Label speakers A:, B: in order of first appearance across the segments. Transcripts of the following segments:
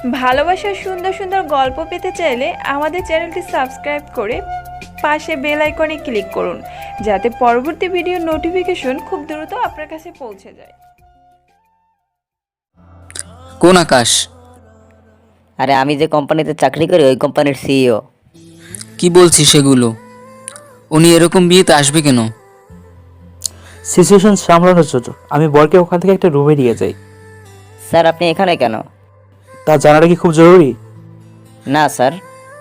A: ভালোবাসার সুন্দর সুন্দর গল্প পেতে চাইলে আমাদের চ্যানেলটি সাবস্ক্রাইব করে পাশে বেল আইকনে ক্লিক করুন, যাতে পরবর্তী ভিডিও নোটিফিকেশন খুব দ্রুত আপনার কাছে পৌঁছে যায়।
B: কোন আকাশ?
C: আরে আমি যে কোম্পানিতে চাকরি করি ওই কোম্পানির সিইও।
B: কি বলছিস সেগুলো? উনি এরকম বিয়েতে আসবে কেন?
D: সিচুয়েশন সামলানোর জন্য আমি বরকে ওখান থেকে একটা রুমে নিয়ে যাই।
C: স্যার আপনি এখানে কেন?
D: তা জানাটা কি খুব জরুরি?
C: না স্যার।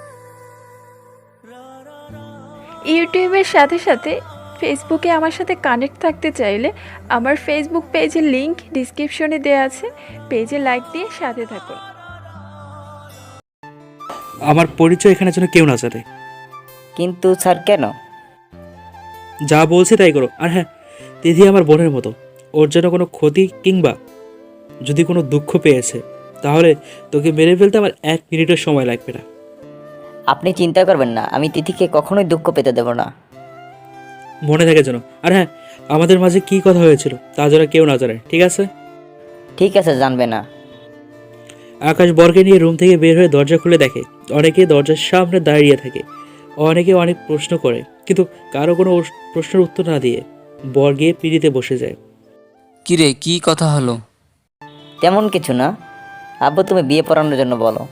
A: ইউটিউবের সাথে সাথে ফেসবুকে আমার সাথে কানেক্ট থাকতে চাইলে আমার ফেসবুক পেজের লিংক ডিসক্রিপশনে দেওয়া আছে, পেজে লাইক দিয়ে সাথে থাকুন।
D: আমার পরিচয় এখানে যেন কেউ না জানে।
C: কিন্তু স্যার কেন?
D: যা বলছে তাই করো। আর হ্যাঁ, তিথি আমার বোনের মতো, ওর যেন কোনো ক্ষতি কিংবা যদি কোনো দুঃখ পেয়েছে তাহলে তোকে মেরে ফেলতে আমার 1 মিনিটের সময় লাগবে না।
C: আপনি চিন্তা করবেন না, আমি তিথিকে কখনোই দুঃখ পেতে দেব না।
D: মনে থাকে যেন। আর হ্যাঁ, আমাদের মাঝে কি কথা হয়েছিল তা যেন কেউ না জানে, ঠিক আছে?
C: ঠিক আছে, জানবে না।
D: আকাশ বরকে নিয়ে রুম থেকে বের হয়ে দরজা খুলে দেখে অনেকে দরজার সামনে দাঁড়িয়ে থাকে। অনেকে অনেক প্রশ্ন করে, কিন্তু কারো কোনো প্রশ্নের উত্তর না দিয়ে বর গিয়ে পিড়িতে বসে যায়।
B: কিরে, কি কথা হলো?
C: তেমন কিছু না। আব্বু তুমি বিয়ে পড়ানোর জন্য বলো।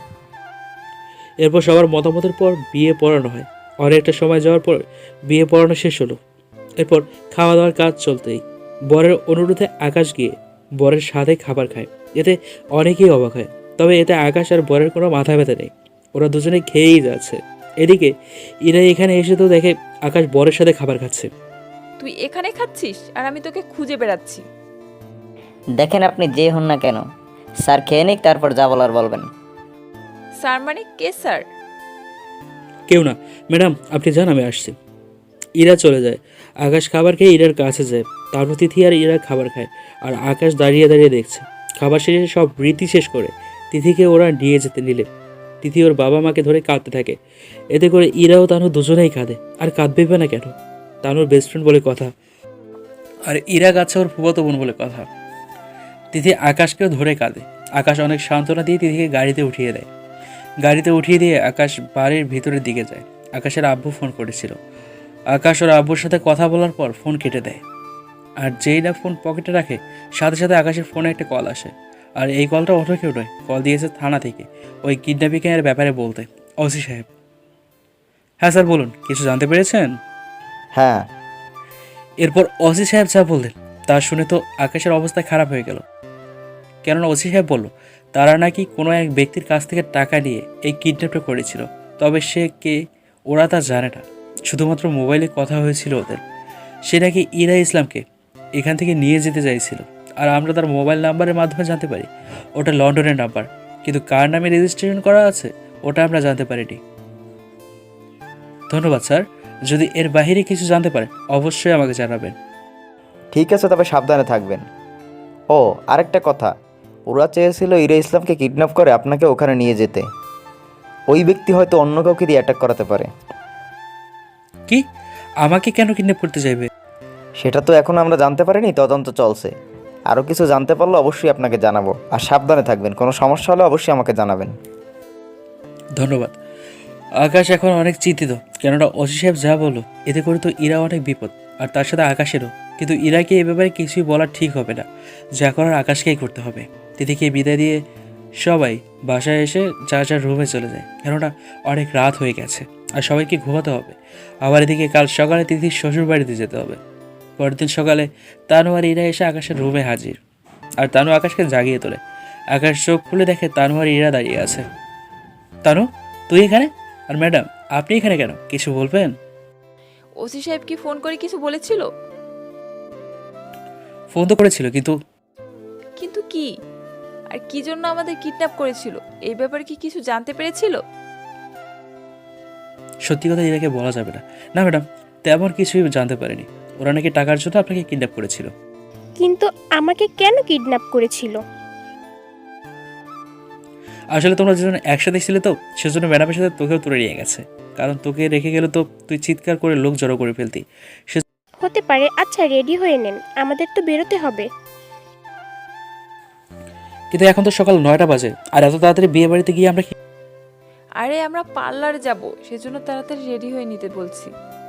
D: এরপর সবার মতামতের পর বিয়ে পড়ানো হয়। অনেকটা সময় যাওয়ার পর বিয়ে পড়ানো শেষ হলো। এরপর খাওয়া দাওয়ার কাজ চলতেই বরের অনুরোধে আকাশ গিয়ে বরের সাথে খাবার খায়। এতে অনেকেই অবাক হয়, তবে এতে আকাশ আর বরের কোনো মাথা ব্যথা নেই, ওরা দুজনে খেয়েই যাচ্ছে। এদিকে ইরা এখানে এসে তো দেখে আকাশ বরের সাথে খাবার খাচ্ছে।
A: তুই এখানে খাচ্ছিস আর আমি তোকে খুঁজে বেড়াচ্ছি।
C: দেখেন আপনি যে হন না কেন, স্যার খেয়ে নিক, তারপর যা বলার বলবেন।
A: স্যার মানে কে স্যার?
D: কেউ না ম্যাডাম, আপনি যান, আমি আসছি। ইরা চলে যায়। আকাশ খাবার খেয়ে ইরার কাছে যায়। তারপর তিথি আর ইরা খাবার খায়, আর আকাশ দাঁড়িয়ে দাঁড়িয়ে দেখছে। খাবার শেষে সব রীতি শেষ করে তিথিকে ওরা নিয়ে যেতে নিলে তিথি ওর বাবা মাকে ধরে কাঁদতে থাকে। এতে করে ইরা ও তানু দুজনেই কাঁদে। আর কাঁদবে না কেন? তানুর বেস্ট ফ্রেন্ড বলে কথা, আর ইরা কাছে ওর ফুফাতো বোন বলে কথা। তিথি আকাশকেও ধরে কাঁদে। আকাশ অনেক সান্ত্বনা দিয়ে তিথিকে গাড়িতে উঠিয়ে দেয়। গাড়িতে উঠিয়ে দিয়ে আকাশ বাড়ির ভিতরের দিকে যায়। আকাশের আব্বু ফোন করেছিল। আকাশ ওর আব্বুর সাথে কথা বলার পর ফোন কেটে দেয়। আর যেই না ফোন পকেটে রাখে, সাথে সাথে আকাশের ফোনে একটা কল আসে। আর এই কলটা অন্য কেউ নয়, কল দিয়েছে থানা থেকে ওই কিডন্যাপিংয়ের ব্যাপারে বলতে। ওসি সাহেব। হ্যাঁ স্যার বলুন, কিছু জানতে পেরেছেন?
C: হ্যাঁ।
D: এরপর ওসি সাহেব যা বললেন তা শুনে তো আকাশের অবস্থা খারাপ হয়ে গেল। কেননা ওসি সাহেব বলল তারা নাকি কোনো এক ব্যক্তির কাছ থেকে টাকা নিয়ে এই কিডন্যাপটা করেছিল। তবে সে কে ওরা তা জানে না, শুধুমাত্র মোবাইলে কথা হয়েছিল ওদের। সে নাকি ইরা ইসলামকে এখান থেকে নিয়ে যেতে চাইছিল। আর আমরা তার মোবাইল নাম্বারের মাধ্যমে জানতে পারি ওটা লন্ডনের নাম্বার, কিন্তু কার নামে রেজিস্ট্রেশন করা আছে ওটা আমরা জানতে পারিনি। ধন্যবাদ স্যার, যদি এর বাইরে কিছু জানতে পারেন অবশ্যই আমাকে জানাবেন।
E: ঠিক আছে, তবে সাবধানে থাকবেন। ও আরেকটা কথা, ওরা চেয়েছিল ইরা ইসলামকে কিডন্যাপ করে আপনাকে ওখানে নিয়ে যেতে। ওই ব্যক্তি হয়তো অন্য কাউকে দিয়ে অ্যাটাক করাতে পারে।
D: কি? আমাকে কেন কিডন্যাপ করতে চাইবে?
E: সেটা তো এখন আমরা জানতে পারিনি, তদন্ত চলছে। আরও কিছু জানতে পারলে অবশ্যই আপনাকে জানাবো। আর সাবধানে থাকবেন, কোনো সমস্যা হলে অবশ্যই আমাকে জানাবেন।
D: ধন্যবাদ। আকাশ এখন অনেক চিন্তিত, কেননা ওসি সাহেব যা বললো এতে করে তো ইরা অনেক বিপদ, আর তার সাথে আকাশেরও। কিন্তু ইরাকে এ ব্যাপারে কিছুই বলা ঠিক হবে না, যা করার আকাশকেই করতে হবে। তিথিকে বিদায় দিয়ে সবাই বাসায় এসে যার যার রুমে চলে যায়, কেননা অনেক রাত হয়ে গেছে আর সবাইকে ঘুমাতে হবে। আবার এদিকে কাল সকালে তিথির শ্বশুর বাড়িতে যেতে হবে। পরের দিন সকালে তানু আর ইরা এসে আকাশের রুমে হাজির, আর তানু আকাশকে জাগিয়ে তোলে। আকাশ চোখ খুলে দেখে তানু আর ইরা দাঁড়িয়ে আছে। তানু, তুই এখানে? আর ম্যাডাম, আপনি এখানে কেন? কিছু বলবেন?
A: ওসি সাহেব কি ফোন করে কিছু বলেছিল?
D: ফোন তো করেছিল, কিন্তু
A: কিন্তু কি? আর কি জন্য আমাদের কিডন্যাপ করেছিল এই ব্যাপারে কি কিছু জানতে পেরেছিল?
D: সত্যি কথা ইরাকে বলা যাবে না। না ম্যাডাম, তেমন কিছুই জানতে পারেনি। ওরা নাকি টাকার জন্য আপনাকে কিডন্যাপ করেছিল।
F: কিন্তু আমাকে কেন কিডন্যাপ করেছিল?
D: আসলে তোমরা দুজন একসাথে ছিলে তো, সেজন্য ম্যাডামের সাথে তোকেও তুলে নিয়ে গেছে। কারণ তোকে রেখে গেলে তো তুই চিৎকার করে লোক জড়ো করে ফেলতি।
F: হতে পারে। আচ্ছা রেডি হয়ে নেন, আমাদের তো বেরোতে হবে।
D: কিন্তু এখন তো সকাল 9টা বাজে, আর এত তাড়াতাড়ি বিয়ে বাড়িতে গিয়ে আমরা
A: আরে আমরা পার্লারে যাব, সেজন্য তাড়াতাড়ি রেডি হয়ে নিতে বলছি।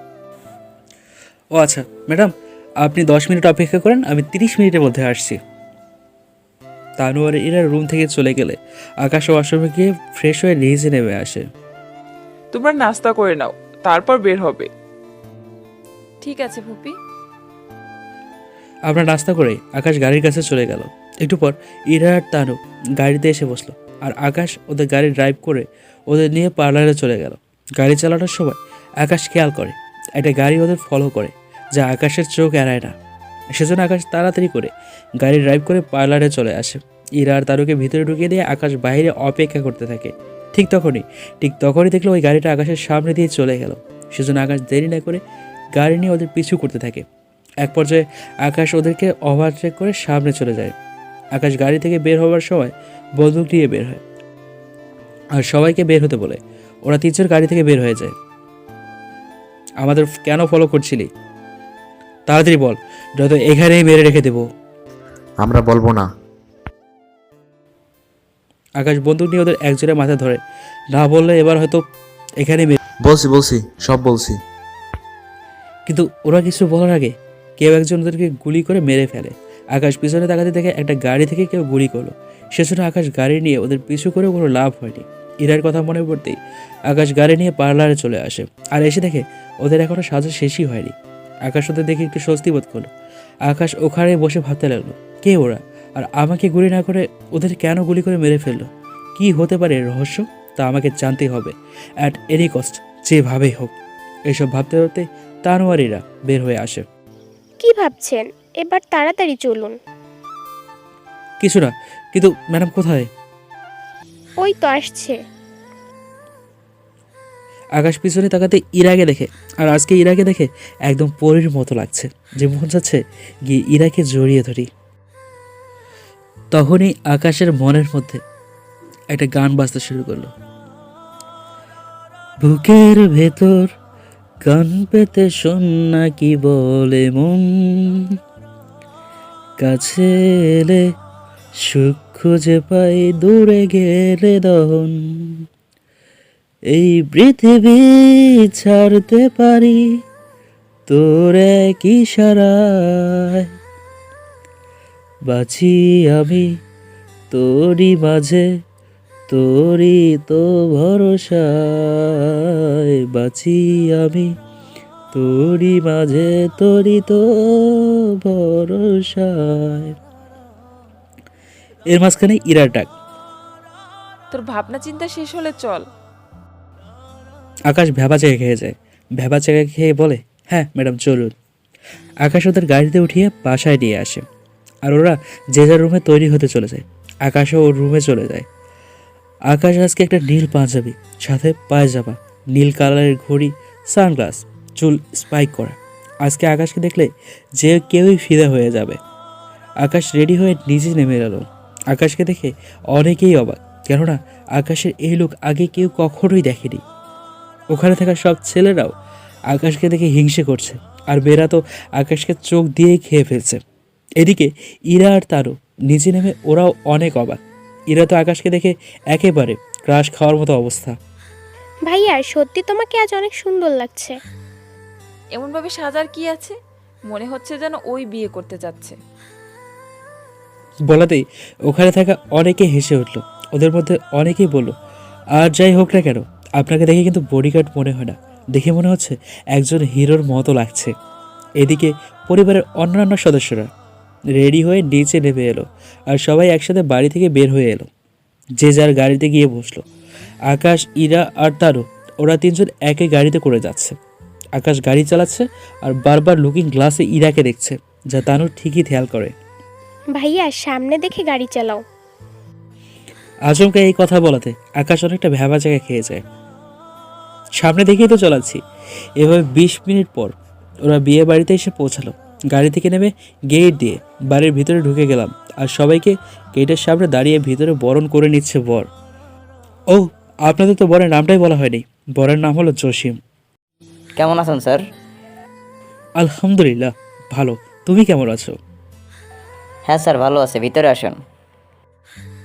D: ও আচ্ছা ম্যাডাম, আপনি 10 মিনিট অপেক্ষা করেন, আমি 30 মিনিটের মধ্যে আসছি। তানু আর ইরা রুম থেকে চলে গেলে আকাশ ওয়াশরুমে গিয়ে ফ্রেশ হয়ে নিচে নেমে আসে।
G: তোমরা নাস্তা করে নাও, তারপর বের হবে।
A: ঠিক আছে ফুপি।
D: আমরা নাস্তা করে আকাশ গাড়ির কাছে চলে গেল। একটু পর ইরা আর তানু গাড়িতে এসে বসলো, আর আকাশ ওদের গাড়ি ড্রাইভ করে ওদের নিয়ে পার্লারে চলে গেল। গাড়ি চালানোর সময় আকাশ খেয়াল করে একটা গাড়ি ওদের ফলো করে, যা আকাশের চোখ এড়ায় না। সেজন্য আকাশ তাড়াতাড়ি করে গাড়ি ড্রাইভ করে পার্লারে চলে আসে। ইরা আর তারুকে ভিতরে ঢুকিয়ে দিয়ে আকাশ বাইরে অপেক্ষা করতে থাকে। ঠিক তখনই দেখলো ওই গাড়িটা আকাশের সামনে দিয়ে চলে গেল। সেজন্য আকাশ দেরি না করে গাড়ি নিয়ে ওদের পিছু করতে থাকে। এক পর্যায়ে আকাশ ওদেরকে ওভারটেক করে সামনে চলে যায়। আকাশ গাড়ি থেকে বের হওয়ার সময় বন্দুক নিয়ে বের হয় আর সবাইকে বের হতে বলে। ওরা 3 জন গাড়ি থেকে বের হয়ে যায়। আমাদের কেন ফলো করছিলি? তাড়াতাড়ি বল, নয়তো এখানেই মেরে রেখে দেবো।
H: আমরা বলবো না।
D: আকাশ বন্দুক নিয়ে ওদের একজনের মাথা ধরে, না বললে এবার হয়তো এখানে
H: বলছি সব বলছি।
D: কিন্তু ওরা কিছু বলার আগে কেউ একজন ওদেরকে গুলি করে মেরে ফেলে। আকাশ পিছনে তাকাতে দেখে একটা গাড়ি থেকে কেউ গুলি করলো। সেজন্য আকাশ গাড়ি নিয়ে ওদের পিছু করে কোনো লাভ হয়নি। ইরার কথা মনে পড়তেই আকাশ গাড়ি নিয়ে পার্লারে চলে আসে, আর এসে দেখে ওদের এখনো সাজা শেষই হয়নি। আকাশ ওদের দেখে একটু স্বস্তি বোধ করলো। আকাশ ওখানে বসে ভাবতে লাগলো, কে ওরা, আর আমাকে গুলি না করে ওদের কেন গুলি করে মেরে ফেললো? কি হতে পারে এর রহস্য? তা আমাকে জানতেই হবে, অ্যাট এনি কস্ট, যেভাবেই হোক। এইসব ভাবতে ভাবতে তানোয়ারিরা বের হয়ে আসে।
F: কি ভাবছেন? এবার তাড়াতাড়ি চলুন।
D: কিছু না, কিন্তু ম্যাডাম কোথায়?
F: ওই তো আসছে।
D: আকাশ পিছনে তাকাতে ইরাকে দেখে, আর আজকে ইরাকে দেখে একদম পরীর মতো লাগছে, যে মন যাচ্ছে গিয়ে ইরাকে জড়িয়ে ধরি। তখনই আকাশের মনের মধ্যে একটা গান বাজতে শুরু করলো। বুকের ভেতর গান পেতে শোন না কি বলে মন, কাছে এলে সুখ খুঁজে পাই, দূরে গেলে দহন। এই পৃথিবী ছাড়তে পারি তোর এক ইশারায়, বাঁচি আমি তোরই মাঝে, তোরই তো ভরসায়, বাঁচি আমি তোরই মাঝে, তোরই তো ভরসায়। এর মাঝখানে ইরার ডাক।
A: তোর ভাবনা চিন্তা শেষ হলে চল।
D: আকাশ ভ্যাবা চেকে খেয়ে যায়। ভ্যাবা চেকে খেয়ে বলে, হ্যাঁ ম্যাডাম চলুন। আকাশ ওদের গাড়িতে উঠিয়ে বাসায় নিয়ে আসে, আর ওরা যে যার রুমে তৈরি হতে চলে যায়। আকাশও ওর রুমে চলে যায়। আকাশ আজকে একটা নীল পাঞ্জাবি, সাথে পায়জামা, নীল কালারের ঘড়ি, সানগ্লাস, চুল স্পাইক করা। আজকে আকাশকে দেখলে যে কেউই ফিদা হয়ে যাবে। আকাশ রেডি হয়ে নিচে নেমে এলো। আকাশকে দেখে অনেকেই অবাক, কেননা আকাশের এই লোক আগে কেউ কখনোই দেখেনি। ওখানে থাকা সব ছেলেরাও আকাশকে দেখে হিংসে করছে, আর মেয়েরা তো আকাশকে চোখ দিয়েই খেয়ে ফেলছে। এদিকে ইরা আর তারও নিচে নেমে ওরাও অনেক অবাক। ইরা তো আকাশকে দেখে একেবারে ক্রাশ খাওয়ার মতো অবস্থা।
F: ভাইয়া, সত্যি তোমাকে আজ অনেক সুন্দর লাগছে।
A: এমনভাবে সাজার কি আছে? মনে হচ্ছে যেন ওই বিয়ে করতে যাচ্ছে।
D: বলাতেই ওখানে থাকা অনেকে হেসে উঠল। ওদের মধ্যে অনেকেই বলল, আর যাই হোক না কেন, আপনাকে দেখে কিন্তু বডিগার্ড মনে হয় না, দেখে মনে হচ্ছে একজন হিরোর মতো লাগছে। এদিকে পরিবারের অন্যান্য সদস্যরা রেডি হয়ে নিচে নেমে এলো, আর সবাই একসাথে বাড়ি থেকে বের হয়ে এলো। যে যার গাড়িতে গিয়ে বসলো। আকাশ, ইরা আর তারু, ওরা 3 জন একই গাড়িতে করে যাচ্ছে। আকাশ গাড়ি চালাচ্ছে আর বারবার লুকিং গ্লাসে ইরাকে দেখছে, যা তানু ঠিকই খেয়াল করে।
F: ভাইয়া, সামনে দেখে গাড়ি চালাও।
D: আচমকা এই কথা বলাতে আকাশ অনেকটা ভ্যাবা জায়গায় খেয়ে যায়। সামনে দেখেই তো চালাচ্ছি। এভাবে 20 মিনিট পর ওরা বিয়ে বাড়িতে এসে পৌঁছালো। গাড়ি থেকে নেমে গেট দিয়ে বাড়ির ভিতরে ঢুকে গেলাম, আর সবাইকে গেটের সামনে দাঁড়িয়ে ভিতরে বরণ করে নিচ্ছে বর। ও, আপনাদের তো বরের নামটাই বলা হয়নি। বরের নাম হলো জসিম।
C: কেমন আছেন স্যার?
D: আলহামদুলিল্লাহ ভালো। তুমি কেমন আছো?
C: হ্যাঁ স্যার, ভালো আছে, ভিতরে আসুন।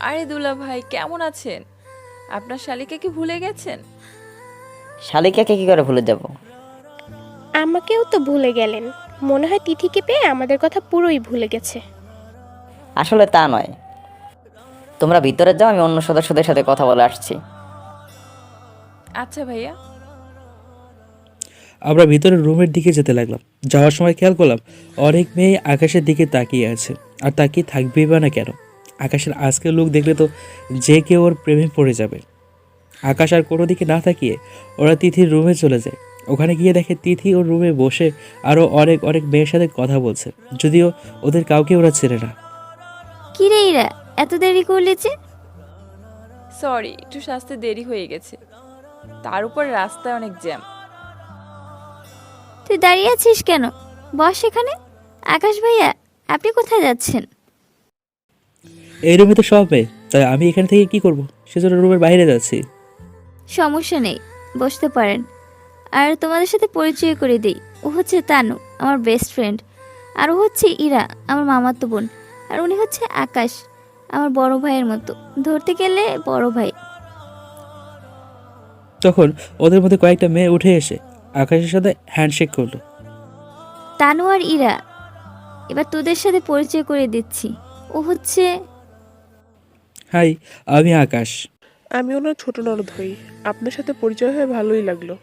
A: আরে দুলা ভাই কেমন আছেন? আপনার শালিকে কি ভুলে গেছেন?
C: শালিকাকে কি করে ভুলে যাব?
F: আমাকেও তো ভুলে গেলেন। মনে হয় তিথিকে পেয়ে আমাদের কথা পুরোই ভুলে গেছে।
C: আসলে তা নয়। তোমরা ভিতরে যাও, আমি অন্য সদস্যদের সাথে কথা বলে আসছি।
A: আচ্ছা ভাইয়া।
D: আমরা ভিতরে রুমের দিকে যেতে লাগলাম। যাওয়ার সময় খেয়াল করলাম অনেক মেয়ে আকাশের দিকে তাকিয়ে আছে। আর তাকিয়ে থাকবেই বা না কেন? আকাশের আজকের লোক দেখলে তো যে কেউ ওর প্রেমে পড়ে যাবে। আকাশ আর কোনো দিকে না তাকিয়ে ওরা তিথির রুমে চলে যায়। ওখানে গিয়ে দেখে তিথি ওর রুমে বসে আরও অনেক অনেক মেয়ের সাথে কথা বলছে, যদিও ওদের কাউকে ওরা চেনে না।
I: কি রে ইরা, এত দেরি করলে যে?
A: সরি, একটু সাজতে দেরি হয়ে গেছে। তার উপর রাস্তায় অনেক জ্যাম।
I: তুই দাঁড়িয়ে আছিস কেন? বস এখানে। আকাশ ভাইয়া, আপনি কোথায় যাচ্ছেন?
D: এই রুমে তো সব মেয়ে, তাই আমি এখান থেকে কি করব? সেজন্য রুমের বাইরে যাচ্ছি।
I: সমস্যা নেই, বসতে পারেন। আর তোমাদের সাথে পরিচয় করে দেই। ও হচ্ছে তানু, আমার বেস্ট ফ্রেন্ড। আর ও হচ্ছে ইরা, আমার মামাতো বোন। আর উনি হচ্ছে আকাশ, আমার বড় ভাইয়ের মতো, ধরতে গেলে বড় ভাই।
D: তখন ওদের মধ্যে কয়েকটা মেয়ে উঠে এসে আকাশের সাথে হ্যান্ডশেক করলো।
I: তানু আর ইরা, এবার তোদের সাথে পরিচয় করে দিচ্ছি। ও হচ্ছে
D: হাই, আমি আকাশ।
G: আমি ওনার ছোট ননদ হই। আপনার সাথে পরিচয় হয়ে ভালোই লাগলো।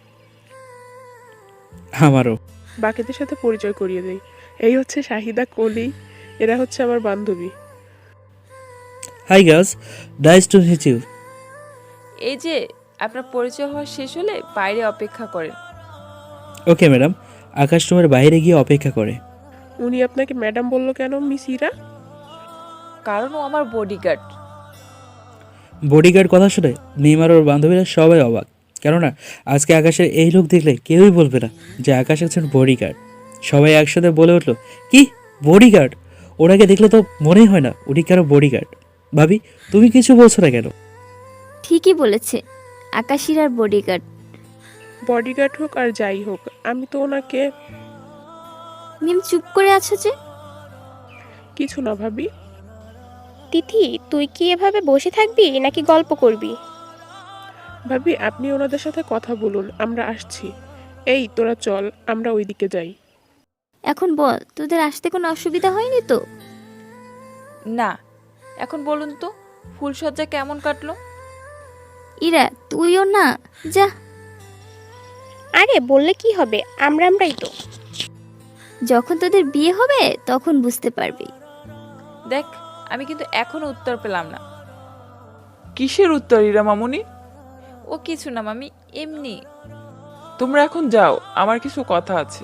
D: আমারও।
G: বাকিদের সাথে পরিচয় করিয়ে দেই। এই হচ্ছে শাহিদা, কলি। এরা হচ্ছে আমার বান্ধবী।
D: Hi girls, nice to meet you.
A: এই যে আপনার পরিচয় হওয়া শেষ হলে বাইরে অপেক্ষা করেন।
D: Okay madam. আকাশ রুমের বাইরে গিয়ে অপেক্ষা করে।
G: উনি আপনাকে ম্যাডাম বললো কেন, মিস ইরা?
A: কারণ ও আমার বডিগার্ড।
D: বডিগার্ড কথা শুনে নেইমার ওর বান্ধবীরা সবাই অবাক, কেননা আজকে আকাশের এই লোক দেখলে কেউই বলবে না যে আকাশ একজন বডিগার্ড। সবাই একসাথে বলে উঠলো, কি বডিগার্ড? ওনাকে দেখলে তো মনেই হয় না উনি কারো বডিগার্ড। ভাবি, তুমি কিছু বলছো না কেন?
I: ঠিকই বলেছে, আকাশ ইরার বডিগার্ড।
G: বডিগার্ড হোক আর যাই হোক, আমি তো ওনাকে
I: মিম চুপ করে আছো যে?
G: কিছু না ভাবি।
F: তিথি, তুই কি এভাবে বসে থাকবি নাকি গল্প করবি?
G: ভাবি, আপনি ওনাদের সাথে কথা বলুন, আমরা আসছি। এই তোরা চল, আমরা ওইদিকে যাই।
I: এখন বল, তোদের আসতে কোনো অসুবিধা হয়নি তো?
A: না, এখন বলুন তো ফুলসজ্জা কেমন কাটলো?
I: ইরা, তুইও না, যা।
F: আরে বললে কি হবে, আমরাই তো।
I: যখন তোদের বিয়ে হবে তখন বুঝতে পারবি।
A: দেখ, আমি কিন্তু এখনো উত্তর পেলাম না।
G: কিসের উত্তর ইরা মামুনি?
A: ও কিছু না মামি, এমনি।
G: তোমরা এখন যাও, আমার কিছু কথা আছে।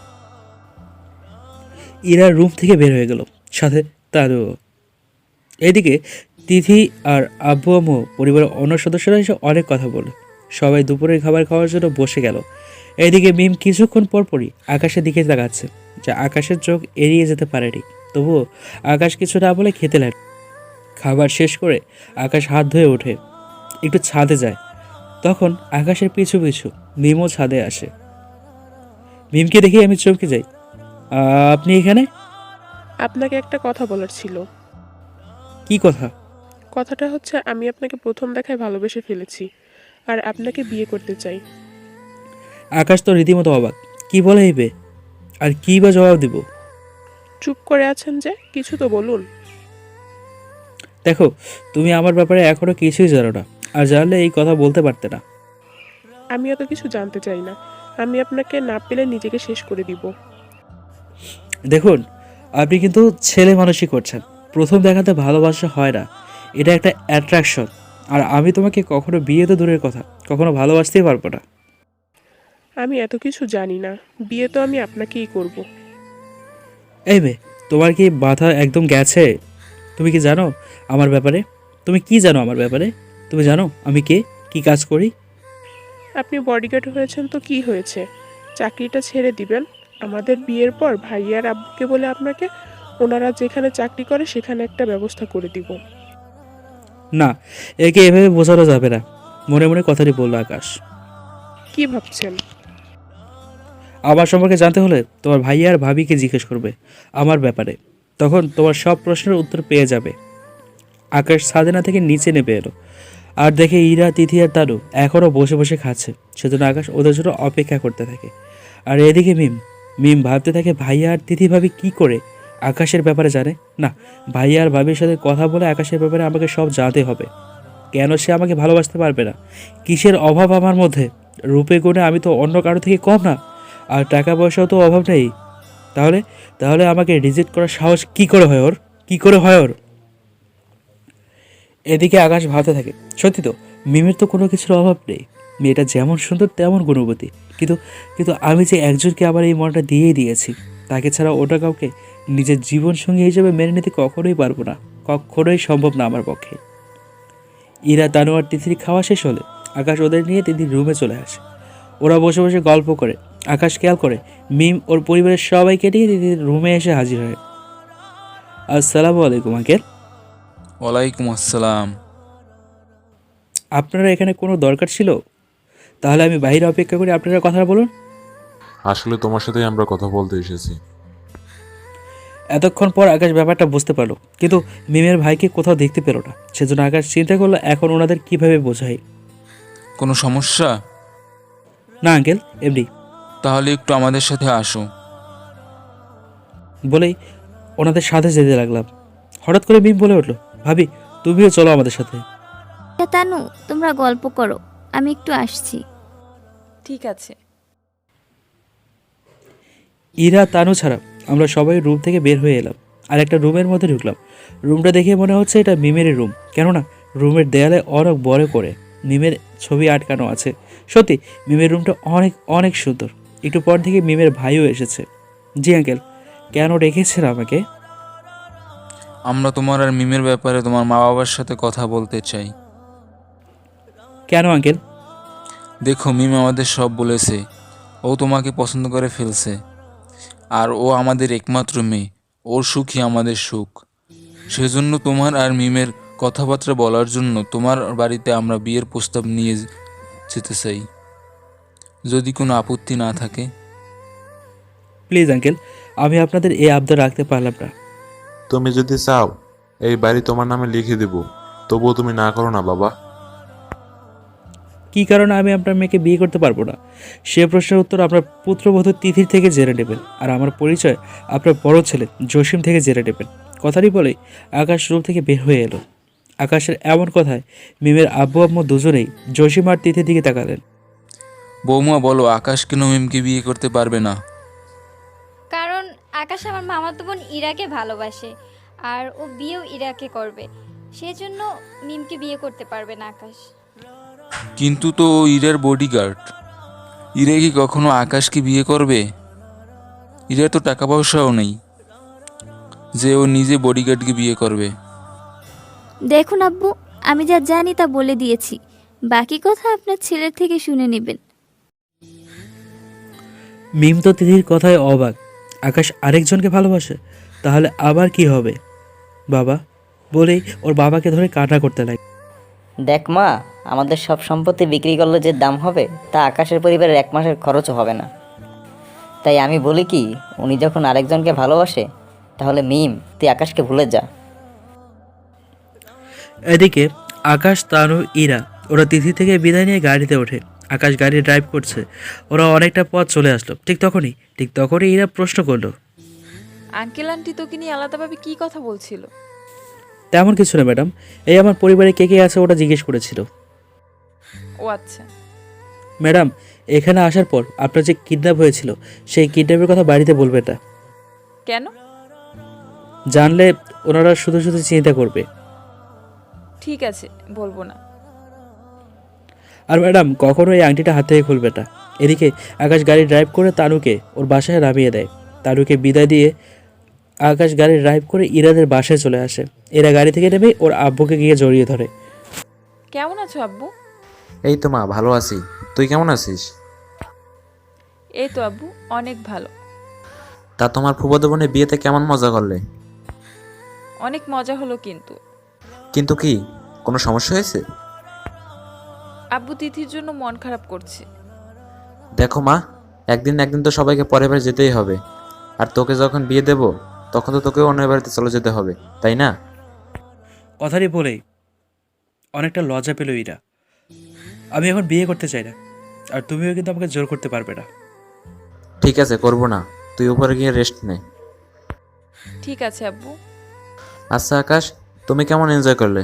D: ইরা রুম থেকে বের হয়ে গেল, সাথে তারও। এইদিকে তিথি আর আব্বু আম্মু পরিবারের অন্য সদস্যরা এসে অনেক কথা বলল। সবাই দুপুরের খাবার খাওয়ার জন্য বসে গেল। এইদিকে মিম কিছুক্ষণ পরপরই আকাশের দিকে তাকাচ্ছে, যা আকাশের চোখ এড়িয়ে যেতে পারেনি। তবুও আকাশ কিছু না বলে খেতে লাগে। খাবার শেষ করে আকাশ হাত ধুয়ে ওঠে, একটু ছাদে যায়। তখন আকাশের পিছু পিছু মিমও ছাদে আসে। মিমকে দেখে আমি চমকে যাই। আপনি এখানে?
G: আপনাকে একটা কথা বলার ছিল।
D: কি কথা?
G: কথাটা হচ্ছে, আমি আপনাকে প্রথম দেখায় ভালোবেসে ফেলেছি, আর আপনাকে বিয়ে করতে চাই।
D: আকাশ তো রীতিমতো অবাক, কি বলে এইবে? আর কি বা জবাব দিব?
G: চুপ করে আছেন যে, কিছু তো বলুন।
D: দেখো, তুমি আমার ব্যাপারে এখনো কিছুই জানো না, আর জানলে এই কথা বলতে পারতে না।
G: আমি এত কিছু জানতে চাই না। আমি আপনাকে না পেলে নিজেকে শেষ করে দিব।
D: দেখুন, আপনি কিন্তু ছেলে মানুষই করছেন। প্রথম দেখাতে ভালোবাসা হয় না, এটা একটা অ্যাট্রাকশন। আর আমি তোমাকে কখনো বিয়ে তো দূরের কথা, কখনো ভালোবাসতেই পারবো না।
G: আমি এত কিছু জানি না। বিয়ে তো আমি আপনাকেই করব।
D: এই মেয়ে, তোমার কি মাথা একদম গেছে? তুমি কি জানো আমার ব্যাপারে? তুমি কি জানো আমার ব্যাপারে? তুমি জানো আমি কে, কি কাজ করি?
G: আপনি বডিগার্ড হয়েছেন তো কি হয়েছে? চাকরিটা ছেড়ে দিবেন। আমাদের বিয়ের পর ভাইয়ার আব্বুকে বলে আপনাকে ওনারা যেখানে চাকরি করে সেখানে একটা ব্যবস্থা করে দিব।
D: না, একে এভাবে বোঝানো যাবে না। মনে মনে কথাটি বলল আকাশ।
G: কি ভাবছেন?
D: আমার সম্পর্কে জানতে হলে তোমার ভাইয়া আর ভাবিকে জিজ্ঞেস করবে আমার ব্যাপারে, তখন তোমার সব প্রশ্নের উত্তর পেয়ে যাবে। আকাশ সাদেনা থেকে নিচে নেমে এলো আর দেখে ইরা, তিথি আর তানু এখনও বসে বসে খাচ্ছে। সেজন্য আকাশ ওদের জন্য অপেক্ষা করতে থাকে। আর এদিকে মিম ভাবতে থাকে ভাইয়া আর তিথি ভাবি কি করে আকাশের ব্যাপারে জানে না। ভাইয়া আর ভাবির সাথে কথা বলে আকাশের ব্যাপারে আমাকে সব জানতে হবে। কেন সে আমাকে ভালোবাসতে পারবে না? কিসের অভাব আমার মধ্যে? রূপে গুণে আমি তো অন্য কারো থেকে কম না, আর টাকা পয়সাও তো অভাব নেই। তাহলে তাহলে আমাকে রিজেক্ট করার সাহস কি করে হয় ওর? কি করে হয় ওর? এদিকে আকাশ ভাবতে থাকে, সত্যি তো মিমের তো কোনো কিছুর অভাব নেই। মেয়েটা যেমন সুন্দর তেমন গুণবতী, কিন্তু কিন্তু আমি যে একজনকে আবার এই মনটা দিয়েই দিয়েছি, তাকে ছাড়া ওটা কাউকে নিজের জীবনসঙ্গী হিসেবে মেনে নিতে কখনোই পারবো না, কখনোই সম্ভব না আমার পক্ষে। ইরা, তানু আর তিথির খাওয়া শেষ হলে আকাশ ওদের নিয়ে তিথির রুমে চলে আসে। ওরা বসে বসে গল্প করে। আকাশ খেয়াল করে মিম ওর পরিবারের সবাইকে নিয়ে তিথির রুমে এসে হাজির হয়। আসসালামু আলাইকুম আঙ্কেল।
B: ওয়ালাইকুম আসসালাম।
D: আপনারা এখানে কোনো দরকার ছিল? তাহলে আমি বাইরে অপেক্ষা করি, আপনারা কথা বলুন।
H: আসলে তোমার সাথেই আমরা কথা বলতে এসেছি।
D: এতক্ষণ পর আকাশ ব্যাপারটা বুঝতে পারলো, কিন্তু মিমের ভাইকে কোথাও দেখতে পেল না। সেজন্য আকাশ চিন্তা করলো এখন ওনাদের কিভাবে বোঝায়।
B: কোনো সমস্যা?
D: না আঙ্কেল, এমনি।
B: তাহলে একটু আমাদের সাথে আসো।
D: বলেই ওনাদের সাথে যেতে লাগলাম। হঠাৎ করে মিম বলে উঠলো, ভাবি তুমিও চলো আমাদের সাথে।
I: তানু, তোমরা গল্প করো, আমি একটু আসছি।
A: ঠিক আছে।
D: ইরা, তানু ছাড়া আমরা সবাই রুম থেকে বের হয়ে এলাম আর একটা রুমের মধ্যে ঢুকলাম। রুমটা দেখে মনে হচ্ছে এটা মিমেরই রুম, কেননা রুমের দেয়ালে অনেক বড় করে মিমের ছবি আটকানো আছে। সত্যি মিমের রুমটা অনেক অনেক সুন্দর। একটু পর থেকে মিমের ভাইও এসেছে। জি আঙ্কেল, কেন রেখেছেন আমাকে?
B: আমরা তোমার আর মিমের ব্যাপারে তোমার মা বাবার সাথে কথা বলতে চাই।
D: কেন আঙ্কেল?
B: দেখো, মিম আমাদের সব বলেছে। ও তোমাকে পছন্দ করে ফেলছে, আর ও আমাদের একমাত্র মেয়ে। ওর সুখই আমাদের সুখ। সেজন্য তোমার আর মিমের কথাবার্তা বলার জন্য তোমার বাড়িতে আমরা বিয়ের প্রস্তাব নিয়ে যেতে চাই, যদি কোনো আপত্তি না থাকে।
D: প্লিজ আঙ্কেল, আমি আপনাদের এই আবদার রাখতে পারলাম না।
H: তুমি যদি চাও এই বাড়ি তোমার নামে লিখে দেব, তবুও তুমি না করো না বাবা।
D: কী কারণে আমি আপনার মেয়েকে বিয়ে করতে পারবো না, সে প্রশ্নের উত্তর আপনার পুত্রবধূ তিথির থেকে জেনে নেবেন, আর আমার পরিচয় আপনার বড় ছেলে জসিম থেকে জেনে নেবেন। কথাটি বলেই আকাশ রুম থেকে বের হয়ে এলো। আকাশের এমন কথায় মিমের আব্বু আম্মু দুজনেই জসিম আর তিথির দিকে তাকালেন।
B: বৌমা বলো, আকাশ কেন মিমকে বিয়ে করতে পারবে না?
J: কারণ আকাশ আমার মামাতো বোন ইরাকে ভালোবাসে, আর ও বিয়েও ইরাকে করবে। সেজন্য মিমকে বিয়ে করতে পারবে না আকাশ।
B: কিন্তু তো ও ইরার বডিগার্ড। ইরা কি কখনো আকাশকে বিয়ে করবে? ইরার তো টাকা পয়সাও নেই যে ও নিজে বডিগার্ডকে বিয়ে করবে।
I: দেখুন আব্বু, আমি যা জানি তা বলে দিয়েছি, বাকি কথা আপনার ছেলের থেকে শুনে নেবেন।
D: মিম তো তিথির কথায় অবাক। আকাশ আরেকজনকে ভালোবাসে, তাহলে আবার কি হবে বাবা? বলেই ওর বাবাকে ধরে কান্না করতে লাগে।
C: দেখ মা, আমাদের সব সম্পত্তি বিক্রি করলে যে দাম হবে তা আকাশের পরিবারের 1 মাসের খরচও হবে না। তাই আমি বলি কি, উনি যখন আরেকজনকে ভালোবাসে, তাহলে মিম তুই আকাশকে ভুলে যা।
D: এদিকে আকাশ, তানু, ইরা ওরা তিথি থেকে বিদায় নিয়ে গাড়িতে ওঠে। আকাশ গাড়ি ড্রাইভ করছে। ওরা অনেকটা পথ চলে আসলো। ঠিক তখনই ইরা প্রশ্ন করলো,
A: আঙ্কেল আন্টি তোকে নিয়ে আলাদাভাবে কি কথা বলছিল?
D: তেমন কিছু না ম্যাডাম, এই আমার পরিবারে কে কে আছে ওটা জিজ্ঞেস করেছিল।
A: ও আচ্ছা।
D: ম্যাডাম, এখানে আসার পর আপনার যে কিডন্যাপ হয়েছিল সেই কিডন্যাপের কথা বাড়িতে বলবেন না।
A: কেন?
D: জানলে ওনারা শুধু শুধু চিন্তা করবে।
A: ঠিক আছে, বলবো না।
D: আর ম্যাডাম, কখনো এই আংটিটা হাত থেকে খুলবে না। এদিকে আকাশ গাড়ি ড্রাইভ করে তানুকে ওর বাসায় নামিয়ে দেয়। তানুকে বিদায় দিয়ে আকাশ গাড়ি ড্রাইভ করে ইরাদের বাসায় চলে আসে। এরা গাড়ি থেকে নেমে ওর আব্বুকে গিয়ে জড়িয়ে ধরে।
A: কেমন আছো আব্বু?
H: এই তো মা, ভালো আছি। তুই কেমন আছিস?
A: এই তো আব্বু, অনেক ভালো।
H: তা তোমার ফুফাতো বোনের বিয়েতে কেমন মজা করলে?
A: অনেক মজা হলো,
H: কিন্তু কি কোনো সমস্যা হয়েছে?
A: আব্বু তিথির জন্য মন খারাপ করছে।
H: দেখো মা, একদিন না একদিন তো সবাইকে পরের বাড়ি যেতেই হবে। আর তোকে যখন বিয়ে দেব তখন তো তোকে অন্য বাড়িতে চলে যেতে হবে, তাই না?
D: কথাটি বলেই অনেকটা লজ্জা পেল ইরা। আমি এখন বিয়ে করতে চাই না, আর তুমিও কিন্তু আমাকে জোর করতে পারবে না।
K: ঠিক আছে, করবো না, তুই উপরে গিয়ে রেস্ট নে।
A: ঠিক আছে আব্বু।
K: আচ্ছা আকাশ, তুমি কেমন এনজয় করলে?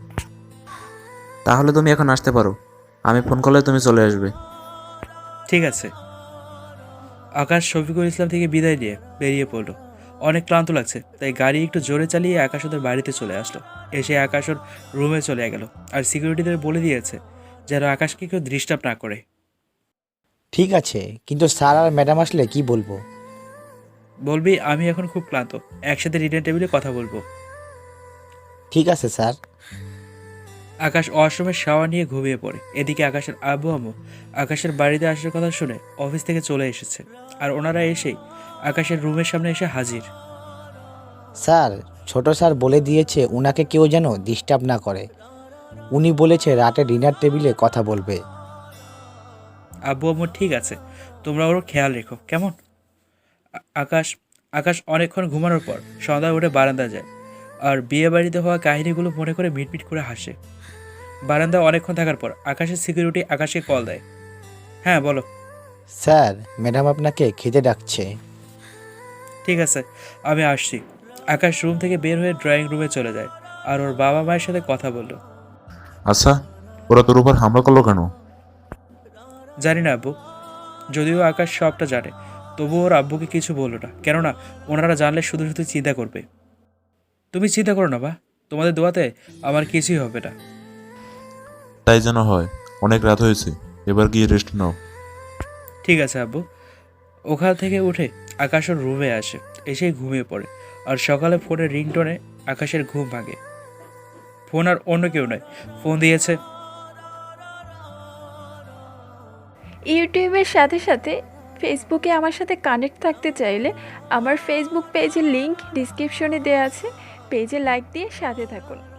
K: তাহলে তুমি এখন আসতে পারো, আমি ফোন করলে তুমি চলে আসবে।
D: ঠিক আছে। আকাশ শফিকুল ইসলাম থেকে বিদায় নিয়ে বেরিয়ে পড়লো। অনেক ক্লান্ত লাগছে, তাই গাড়ি একটু জোরে চালিয়ে আকাশ ওদের বাড়িতে চলে আসলো। এসে আকাশ ওর রুমে চলে গেল, আর সিকিউরিটিদের বলে দিয়েছে যেন আকাশকে কেউ ডিস্টার্ব না করে।
L: ঠিক আছে, কিন্তু স্যার আর ম্যাডাম আসলে কি বলবো?
D: বলবি আমি এখন খুব ক্লান্ত, একসাথে ডিনার টেবিলে কথা বলবো।
L: ঠিক আছে স্যার।
D: আকাশ ওয়াশরুমে শাওয়ার নিয়ে ঘুমিয়ে পড়ে। এদিকে আকাশের আব্বু আম্মু আকাশের বাড়িতে আসার কথা শুনে অফিস থেকে চলে এসেছে, আর ওনারা এসেই আকাশের রুমের সামনে এসে হাজির।
L: স্যার, ছোট স্যার বলে দিয়েছে উনাকে কেউ যেন ডিস্টার্ব না করে। উনি বলেছে রাতে ডিনার টেবিলে কথা বলবে।
D: আব্বু আম্মু ঠিক আছে, তোমরা ওর খেয়াল রেখো কেমন? আকাশ আকাশ অনেকক্ষণ ঘুমানোর পর সন্ধ্যায় উঠে বারান্দা যায়, আর বিয়ে বাড়িতে হওয়া কাহিনীগুলো মনে করে মিটমিট করে হাসে। বারান্দায় অনেকক্ষণ থাকার পর আকাশের সিকিউরিটি আকাশকে কল দেয়। হ্যাঁ বলো।
L: স্যার, ম্যাডাম আপনাকে খেতে ডাকছে।
D: ঠিক আছে, আমি আসছি। আকাশ রুম থেকে বের হয়ে ড্রয়িং রুমে চলে যায়, আর ওর বাবা মায়ের সাথে কথা বলল।
H: আচ্ছা, ওরা তোর উপর হামলা করলো কেন?
D: জানি না আব্বু, যদিও আকাশ সবটা জানে, তবুও ওর আব্বুকে কিছু বললো না, কেননা ওনারা জানলে শুধু শুধু চিন্তা করবে। তুমি চিন্তা করো না বা, তোমাদের দোয়াতে আমার কিছুই হবে না।
H: তাই যেন হয়। অনেক রাত হয়েছে, এবার গিয়ে রেস্ট নাও।
D: ঠিক আছে আব্বু। ওখান থেকে উঠে আকাশ ওর রুমে আসে, এসেই ঘুমিয়ে পড়ে। আর সকালে ফোনের রিংটোনে আকাশের ঘুম ভাঙে। ফোন আর অন্য কেউ নয়, ফোন দিয়েছে।
A: ইউটিউবের সাথে সাথে ফেসবুকে আমার সাথে কানেক্ট থাকতে চাইলে আমার ফেসবুক পেজের লিংক ডিসক্রিপশনে দেওয়া আছে, পেজে লাইক দিয়ে সাথে থাকুন।